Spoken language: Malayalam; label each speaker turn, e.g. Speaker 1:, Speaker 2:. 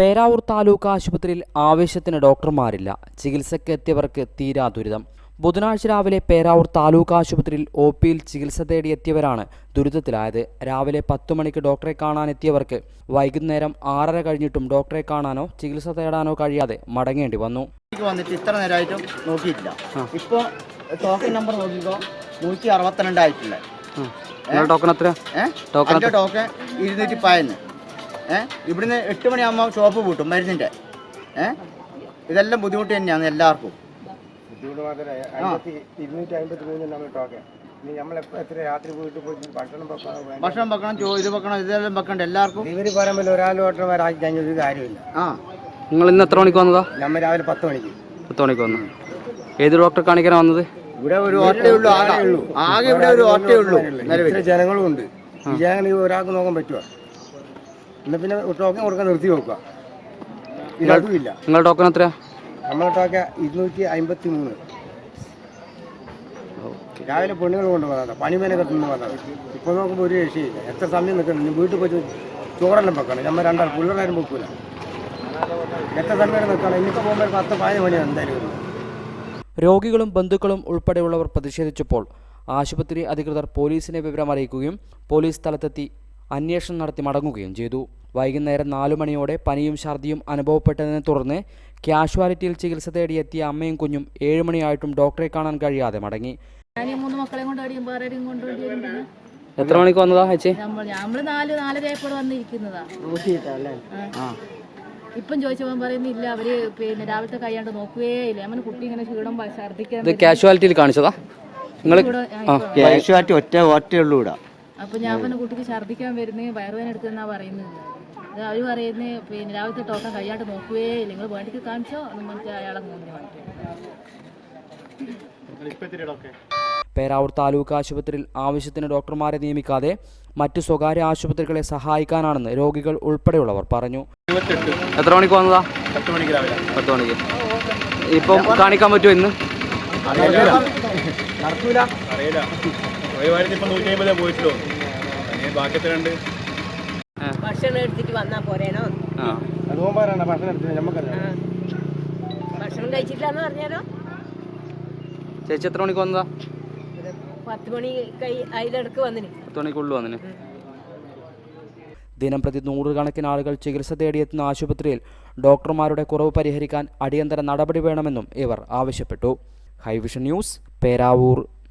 Speaker 1: പേരാവൂർ താലൂക്ക് ആശുപത്രിയിൽ ആവശ്യത്തിന് ഡോക്ടർമാരില്ല. ചികിത്സയ്ക്ക് എത്തിയവർക്ക് തീരാ ദുരിതം. ബുധനാഴ്ച രാവിലെ പേരാവൂർ താലൂക്ക് ആശുപത്രിയിൽ ഒപിയിൽ ചികിത്സ തേടിയെത്തിയവരാണ് ദുരിതത്തിലായത്. രാവിലെ 10 മണിക്ക് ഡോക്ടറെ കാണാനെത്തിയവർക്ക് വൈകുന്നേരം 6:30 കഴിഞ്ഞിട്ടും ഡോക്ടറെ കാണാനോ ചികിത്സ തേടാനോ കഴിയാതെ മടങ്ങേണ്ടി വന്നു.
Speaker 2: വന്നിട്ട് ഇത്ര നേരമായിട്ടും നോക്കിയിട്ടില്ല. ഇപ്പോൾ ടോക്കൺ നമ്പർ നോക്കിക്കോ, 162 ആയിട്ടില്ല.
Speaker 1: ടോക്കൺ എത്ര?
Speaker 2: ടോക്കൺ 210. ഇവിടുന്ന് 8 മണിയാകുമ്പോൾ ഷോപ്പ് പൂട്ടും മരുന്നിൻ്റെ. ഇതെല്ലാം ബുദ്ധിമുട്ട് തന്നെയാണ് എല്ലാവർക്കും. ഭക്ഷണം വെക്കണം, ഇത് വെക്കണം, ഇതെല്ലാം വെക്കണ്ട എല്ലാവർക്കും.
Speaker 3: ഇവര് പറയുമ്പോൾ ഒരാളോട്ടമാരാക്കി കഴിഞ്ഞ ഒരു കാര്യമില്ല.
Speaker 1: നിങ്ങൾ ഇന്ന് എത്ര മണിക്ക് വന്നതാ?
Speaker 3: നമ്മൾ രാവിലെ 10 മണിക്ക്.
Speaker 1: 10 മണിക്ക് വന്നു. ഏത് ഡോക്ടറെ കാണിക്കാനാണ് വന്നത്?
Speaker 2: ഇവിടെ ഒരു ഓട്ടേ ഉള്ളൂ, ആകെ ഇവിടെ ഒരു ഓട്ടേ ഉള്ളൂ.
Speaker 3: ജനങ്ങളും ഉണ്ട്. ഈ ജനങ്ങൾ ഒരാൾക്ക് നോക്കാൻ പറ്റുമോ? എന്നാ പിന്നെ ടോക്കൺ കൊടുക്കാൻ നിർത്തി നോക്കുക. ഇതുമില്ല.
Speaker 1: നിങ്ങളുടെ ടോക്കൺ എത്രയാ?
Speaker 3: നമ്മളെ ടോക്കൺ 253. രാവിലെ പെണ്ണുങ്ങൾ കൊണ്ടുപോകാതെ പണിമേനൊക്കെ തിന്ന് വന്നത്. ഇപ്പോൾ നോക്കുമ്പോൾ ഒരു രക്ഷയില്ല. എത്ര സമയം നിൽക്കണം? വീട്ടിൽ പോയി ചോറെല്ലാം വെക്കണം. നമ്മൾ രണ്ടാൾ പിള്ളേരാരും വെക്കൂല. എത്ര സമയം നിൽക്കണം? ഇനിയിപ്പോൾ പോകുമ്പോൾ 10-15 മണിയാണ് എന്തായാലും.
Speaker 1: രോഗികളും ബന്ധുക്കളും ഉൾപ്പെടെയുള്ളവർ പ്രതിഷേധിച്ചപ്പോൾ ആശുപത്രി അധികൃതർ പോലീസിനെ വിവരം അറിയിക്കുകയും പോലീസ് സ്ഥലത്തെത്തി അന്വേഷണം നടത്തി മടങ്ങുകയും ചെയ്തു. വൈകുന്നേരം 4 മണിയോടെ പനിയും ഛർദിയും അനുഭവപ്പെട്ടതിനെ തുടർന്ന് കാഷ്വാലിറ്റിയിൽ ചികിത്സ തേടിയെത്തിയ അമ്മയും കുഞ്ഞും 7 മണിയായിട്ടും ഡോക്ടറെ കാണാൻ കഴിയാതെ മടങ്ങി. എത്ര മണിക്ക് വന്നതാ ചേച്ചി?
Speaker 4: നമ്മള് 4-4:30 വന്നിരിക്കുന്നതാ. ഇപ്പം ചോദിച്ചപ്പോൾ പറയുന്നില്ല, അവര് പിന്നെ രാവിലത്തെ കൈയാണ്ട് നോക്കുകയേ ഇല്ല. നമ്മുടെ കുട്ടി ഇങ്ങനെ ക്ഷീണം ഛർദിക്കാൻ.
Speaker 1: കാഷ്വാലിറ്റിയിൽ കാണിച്ചതാ?
Speaker 2: ഒറ്റയുള്ളൂ ഇവിടെ.
Speaker 4: അപ്പൊ ഞാൻ പറഞ്ഞ കുട്ടിക്ക് ഛർദിക്കാൻ വരുന്നേ വയറുവേദന എടുക്കുന്ന പറയുന്നത്. അവര് പറയുന്നത് പിന്നെ രാവിലത്തെ ടോക്കൺ കൈയാണ്ട് നോക്കുകയേ ഇല്ല, നിങ്ങൾ വേണ്ടിക്ക് കാണിച്ചോ എന്ന് പറഞ്ഞിട്ട് അയാളെ മൂന്നിന് വേണ്ടി.
Speaker 1: പേരാവൂർ താലൂക്ക് ആശുപത്രിയിൽ ആവശ്യത്തിന് ഡോക്ടർമാരെ നിയമിക്കാതെ മറ്റു സ്വകാര്യ ആശുപത്രികളെ സഹായിക്കാനാണെന്ന് രോഗികൾ ഉൾപ്പെടെയുള്ളവർ പറഞ്ഞു. എത്ര മണിക്ക് വന്നതാ?
Speaker 5: 10 മണിക്ക് രാവിലെ.
Speaker 1: 10 മണിക്ക്. ഇപ്പം കാണിക്കാൻ പറ്റുമോ ഇന്ന്?
Speaker 5: നടക്കൂല, അറിയില്ല. ഇപ്പം 150 പോയിട്ടുള്ളൂ. ബാക്കി എത്രയുണ്ട്?
Speaker 6: ഭക്ഷണം എടുത്തിട്ട് വന്നാ പോരേനോ? ഭക്ഷണം കഴിച്ചിട്ടില്ലാന്ന് പറഞ്ഞാലോ?
Speaker 1: ചേച്ചി എത്ര മണിക്ക് വന്നതാ?
Speaker 6: 10 മണി അതിലിടക്ക് വന്നിന്.
Speaker 1: 10 മണിക്കുള്ളിൽ വന്നിന്. ദിനംപ്രതി 100 കണക്കിന് ആളുകൾ ചികിത്സ തേടിയെത്തുന്ന ആശുപത്രിയിൽ ഡോക്ടർമാരുടെ കുറവ് പരിഹരിക്കാൻ അടിയന്തര നടപടി വേണമെന്നും ഇവർ ആവശ്യപ്പെട്ടു. High vision news, Peravoor.